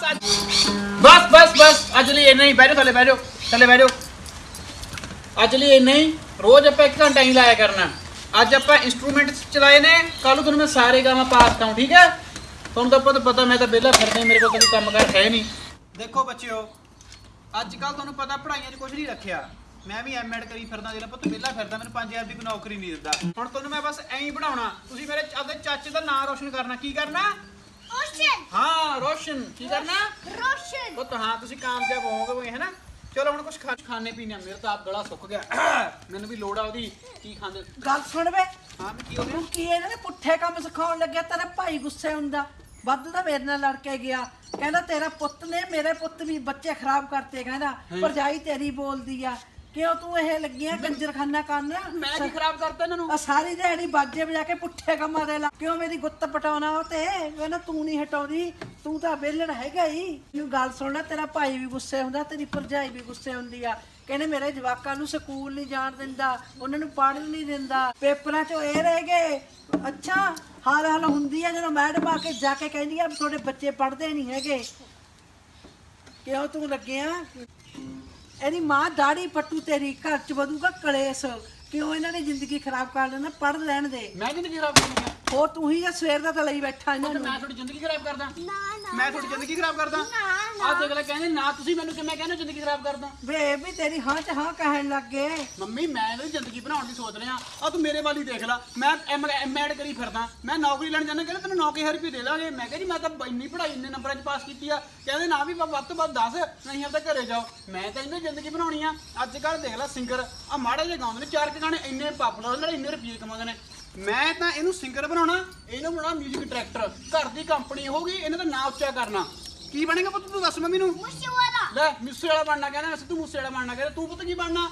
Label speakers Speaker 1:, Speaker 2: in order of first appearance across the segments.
Speaker 1: बस अज लिए इन्ना ही। बैठो थले बैठो। अज लिए इन्ना ही। रोज आप 1 घंटा ही लाया करना। अज आप इंस्ट्रूमेंट चलाए ने, कल तुहानूं मैं सारे गावां पा सकता हूँ। ठीक है, तुहानूं तो पता मैं तो वेला फिरदा, मेरे को कोई काम कार है नहीं। देखो बच्चिओ, अजकल तुहानूं पता पढ़ाइयां 'च कुछ नहीं रखिया। मैं भी एम.एड करी फिरदा, जेल्लै पुੱਤ वेला फिरदा, मैनूं 5000 ਦੀ ਕੋਈ नौकरी नहीं दिंदा। ਹੁਣ ਤੁਹਾਨੂੰ मैं बस ਐਂ ਹੀ ਪੜਾਉਣਾ। ਤੁਸੀਂ ਮੇਰੇ ਆਪਦੇ ਚਾਚੇ ਦਾ ਨਾਂ ਰੋਸ਼ਨ ਕਰਨਾ। ਕੀ ਕਰਨਾ?
Speaker 2: रोशन।
Speaker 1: हाँ रोशन। की करना?
Speaker 2: रोशन।
Speaker 1: पुत हाँ, तुसी कामयाब होवोगे, है ना। चलो हुण कुछ खाने पीने। मेरा तो आप गला सुक गया। मैनूं भी लोड़ आ ओदी। की खांदे?
Speaker 3: ਗੱਲ ਸੁਣ ਵੇ
Speaker 1: हाँ मैं की हो गया?
Speaker 3: ਤੂੰ ਕੀ ਇਹਨਾਂ ਨੇ ਪੁੱਠੇ ਕੰਮ ਸਿਖਾਉਣ ਲੱਗਿਆ। ਤੇਰਾ ਭਾਈ ਗੁੱਸੇ ਹੁੰਦਾ, ਵੱਧ ਤਾਂ ਮੇਰੇ ਨਾਲ ਲੜ ਕੇ ਗਿਆ। ਕਹਿੰਦਾ ਤੇਰਾ ਪੁੱਤ ਨੇ ਮੇਰੇ ਪੁੱਤ ਵੀ ਬੱਚੇ ਖਰਾਬ ਕਰਤੇ। ਕਹਿੰਦਾ ਭਰਜਾਈ ਤੇਰੀ ਬੋਲਦੀ ਆ। ਕਿਉਂ ਤੂੰ ਇਹ ਲੱਗਿਆ ਕੰਜਰਖਾਨਾ ਕਰਨ?
Speaker 1: मैं की खराब करता इन्हां नूं?
Speaker 3: ਆ ਸਾਰੀ ਦਿਹਾੜੀ ਬਾਜੇ ਵਜਾ ਕੇ ਪੁੱਠੇ ਕੰਮਾਂ ਦੇ ਲਾ। ਕਿਉਂ ਮੇਰੀ ਗੁੱਤ ਪਟਾਉਣਾ ਉਹ ਤੇ? ਕਹਿੰਦਾ ਤੂੰ ਨਹੀਂ ਹਟਾਉਂਦੀ, ਤੂੰ ਤਾਂ ਵਿਹਲੜ ਹੈਗਾ ਹੀ। ਮੈਨੂੰ ਗੱਲ ਸੁਣ ਲੈ, ਤੇਰਾ ਭਾਈ ਵੀ ਗੁੱਸੇ ਹੁੰਦਾ, ਤੇਰੀ ਭਰਜਾਈ ਵੀ ਗੁੱਸੇ ਹੁੰਦੀ ਆ। ਕਹਿੰਦੇ ਮੇਰੇ ਜਵਾਕਾਂ ਨੂੰ ਸਕੂਲ ਨਹੀਂ ਜਾਣ ਦਿੰਦਾ, ਉਹਨਾਂ ਨੂੰ ਪੜ੍ਹਨ ਨਹੀਂ ਦਿੰਦਾ, ਪੇਪਰਾਂ 'ਚੋਂ ਇਹ ਰਹਿ ਗਏ। ਅੱਛਾ, ਹਾਲ ਹੁੰਦੀ ਆ ਜਦੋਂ ਮੈਡਮ ਆ ਕੇ ਜਾ ਕੇ ਕਹਿੰਦੀ ਆ ਤੁਹਾਡੇ ਬੱਚੇ ਪੜ੍ਹਦੇ ਨਹੀਂ ਹੈਗੇ। ਕਿਉਂ ਤੂੰ ਲੱਗਿਆ? ਇਹਦੀ ਮਾਂ ਦਾੜੀ ਪੱਟੂ, ਤੇਰੀ ਘਰ 'ਚ ਵਧੂਗਾ ਕਲੇਸ਼। ਕਿਉਂ ਇਹਨਾਂ ਨੇ ਜ਼ਿੰਦਗੀ ਖਰਾਬ ਕਰ ਲੈਣਾ? ਪੜ੍ਹ ਲੈਣ ਦੇ।
Speaker 1: मैं जिंदगी खराब करनी है?
Speaker 3: ਹੋਰ ਤੂੰ ਹੀ ਆ ਸਵੇਰ ਦਾ ਤਾਂ ਲਈ ਬੈਠਾ ਇਹਨਾਂ ਨੂੰ।
Speaker 1: मैं थोड़ी जिंदगी खराब करदा?
Speaker 2: ना ना
Speaker 1: मैं थोड़ी जिंदगी खराब करदा? आ देख ले, कहंदे ना तुसी मैनूं किवें कहंदे जिंदगी खराब करदा?
Speaker 3: ਵੇ ਵੀ ਤੇਰੀ ਹਾਂ 'ਚ ਹਾਂ ਕਹਿਣ ਲੱਗ ਗਏ।
Speaker 1: ਮੰਮੀ ਮੈਂ ਇਹਦੀ ਜ਼ਿੰਦਗੀ ਬਣਾਉਣ ਦੀ ਸੋਚ ਰਿਹਾ। ਆ ਤੂੰ ਮੇਰੇ ਵਾਲੀ ਦੇਖ ਲੈ, ਮੈਂ ਐਮ.ਐਡ ਕਰੀ ਫਿਰਦਾ, ਮੈਂ ਨੌਕਰੀ ਲੈਣ ਜਾਣਾ। ਕਹਿੰਦੇ ਤੈਨੂੰ 9000 ਰੁਪਏ ਦੇ ਦਾਂਗੇ। ਮੈਂ ਕਿਹਾ ਜੀ ਮੈਂ ਤਾਂ ਇੰਨੀ ਪੜ੍ਹਾਈ ਇੰਨੇ ਨੰਬਰਾਂ 'ਚ ਪਾਸ ਕੀਤੀ ਆ। ਕਹਿੰਦੇ ਨਾ ਵੀ ਵੱਧ ਤੋਂ ਵੱਧ 10, ਨਹੀਂ ਆਪਦਾ ਘਰੇ ਜਾਓ। ਮੈਂ ਤਾਂ ਇਹਦੀ ਜ਼ਿੰਦਗੀ ਬਣਾਉਣੀ ਆ। ਅੱਜ ਕੱਲ੍ਹ ਦੇਖ ਲੈ ਸਿੰਗਰ ਆ ਮਾੜੇ ਜਿਹੇ ਗਾਉਂਦੇ ਨੇ, 4 ਗਾਣੇ ਇੰਨੇ ਪਾਪੂਲਰ, ਨਾਲੇ ਇੰਨੇ ਰੁਪਏ ਕਮਾਉਂਦੇ ਨੇ। ਮੈਂ ਤਾਂ ਇਹਨੂੰ ਸਿੰਗਰ ਬਣਾਉਣਾ, ਇਹਨੂੰ ਬਣਾਉਣਾ ਮਿਊਜ਼ਿਕ ਡਾਇਰੈਕਟਰ। ਘਰ ਦੀ ਕੰਪਨੀ ਹੋਊਗੀ, ਇਹਨੇ ਤਾਂ ਨਾਂ ਉੱਚਾ ਕਰਨਾ। ਕੀ ਬਣੇਗਾ ਪੁੱਤ ਤੂੰ ਦੱਸ ਮੰਮੀ ਨੂੰ?
Speaker 2: मुझसे वाला
Speaker 1: ਲੈ ਮੂਸੇ ਵਾਲਾ ਬਣਨਾ ਕਹਿੰਦਾ, ਵੈਸੇ ਤੂੰ ਮੂਸੇ ਵਾਲਾ ਬਣਨਾ ਕਹਿੰਦਾ। ਤੂੰ ਪੁੱਤ ਕੀ ਬਣਨਾ?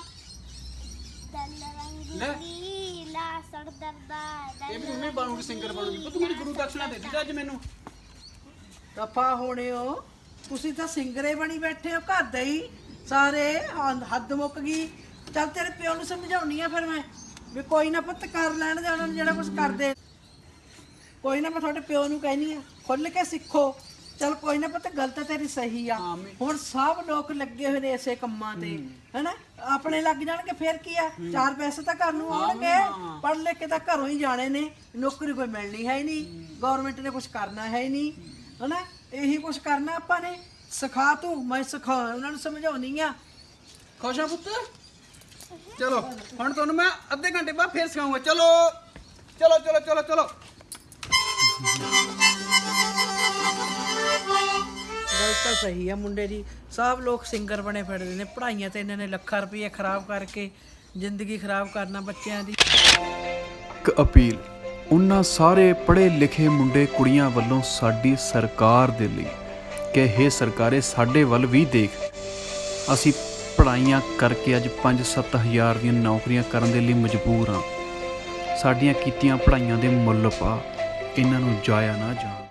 Speaker 2: ला सरदर्दा
Speaker 1: ਇਹ ਵੀ ਮੰਮੀ ਬਣੂਗੀ, ਸਿੰਗਰ ਬਣੂਗੀ। ਪੁੱਤ ਮੇਰੀ ਗੁਰੂ ਦਕਸ਼ਨਾ ਦੇ ਦਿੱਤੀ ਅੱਜ ਮੈਨੂੰ।
Speaker 3: ਦਫਾ ਹੋਣੇ ਹੋ ਤੁਸੀਂ, ਤਾਂ ਸਿੰਗਰੇ ਬਣੀ ਬੈਠੇ ਹੋ ਘਰ ਦੇ ਹੀ ਸਾਰੇ। ਹੱਦ ਮੁੱਕ ਗਈ। ਚੱਲ ਤੇਰੇ ਪਿਓ ਨੂੰ ਸਮਝਾਉਣੀ ਆ ਫਿਰ ਮੈਂ ਵੀ ਕੋਈ ਨਾ ਪੁੱਤ ਕਰ ਲੈਣ ਦੇ ਉਹਨਾਂ ਨੂੰ ਜਿਹੜਾ ਕੁਝ ਕਰਦੇ। ਕੋਈ ਨਾ ਮੈਂ ਤੁਹਾਡੇ ਪਿਓ ਨੂੰ ਕਹਿਨੀ ਆ ਖੁੱਲ ਕੇ ਸਿੱਖੋ। ਚੱਲ ਕੋਈ ਨਾ ਪੁੱਤ, ਗੱਲ ਤਾਂ ਤੇਰੀ ਸਹੀ ਆ। ਹੁਣ ਸਭ ਲੋਕ ਲੱਗੇ ਹੋਏ ਨੇ ਇਸੇ ਕੰਮਾਂ ਤੇ, ਹੈਨਾ। ਆਪਣੇ ਲੱਗ ਜਾਣਗੇ ਫਿਰ ਕੀ ਆ, 4 ਪੈਸੇ ਤਾਂ ਘਰ ਨੂੰ ਆਉਣਗੇ। ਪੜ੍ਹ ਲਿਖ ਕੇ ਤਾਂ ਘਰੋਂ ਹੀ ਜਾਣੇ ਨੇ, ਨੌਕਰੀ ਕੋਈ ਮਿਲਣੀ ਹੈ ਹੀ ਨਹੀਂ, ਗਵਰਨਮੈਂਟ ਨੇ ਕੁਝ ਕਰਨਾ ਹੈ ਹੀ ਨਹੀਂ, ਹੈਨਾ। ਇਹੀ ਕੁਝ ਕਰਨਾ ਆਪਾਂ ਨੇ। ਸਿਖਾ ਤੂੰ, ਮੈਂ ਸਿਖਾ, ਉਹਨਾਂ ਨੂੰ ਸਮਝਾਉਣੀ ਆ।
Speaker 1: ਖੁਸ਼ ਆ ਪੁੱਤ? ਚਲੋ ਹੁਣ ਤੁਹਾਨੂੰ ਮੈਂ ਅੱਧੇ ਘੰਟੇ ਬਾਅਦ ਫੇਰ ਸਿਖਾਉਂਗਾ। ਚਲੋ ਚਲੋ ਚਲੋ ਚਲੋ ਚਲੋ।
Speaker 3: ਗੱਲ ਤਾਂ ਸਹੀ ਆ ਮੁੰਡੇ ਦੀ। ਸਭ ਲੋਕ ਸਿੰਗਰ ਬਣੇ ਫਿਰਦੇ ਨੇ। ਪੜ੍ਹਾਈਆਂ ਤੇ ਇਹਨਾਂ ਨੇ ਲੱਖਾਂ ਰੁਪਏ ਖਰਾਬ ਕਰਕੇ ਜ਼ਿੰਦਗੀ ਖਰਾਬ ਕਰਨਾ ਬੱਚਿਆਂ ਦੀ।
Speaker 4: ਇੱਕ ਅਪੀਲ ਉਹਨਾਂ ਸਾਰੇ ਪੜ੍ਹੇ ਲਿਖੇ ਮੁੰਡੇ ਕੁੜੀਆਂ ਵੱਲੋਂ ਸਾਡੀ ਸਰਕਾਰ ਦੇ ਲਈ ਕਿ ਇਹ ਸਰਕਾਰੇ ਸਾਡੇ ਵੱਲ ਵੀ ਦੇਖ। ਅਸੀਂ ਪੜ੍ਹਾਈਆਂ ਕਰਕੇ ਅੱਜ 5-7 ਹਜ਼ਾਰ ਦੀਆਂ ਨੌਕਰੀਆਂ ਕਰਨ ਦੇ ਲਈ ਮਜਬੂਰ ਹਾਂ। ਸਾਡੀਆਂ ਕੀਤੀਆਂ ਪੜ੍ਹਾਈਆਂ ਦੇ ਮੁੱਲ ਪਾ, ਇਹਨਾਂ ਨੂੰ ਜਾਇਆ ਨਾ ਜਾਣ।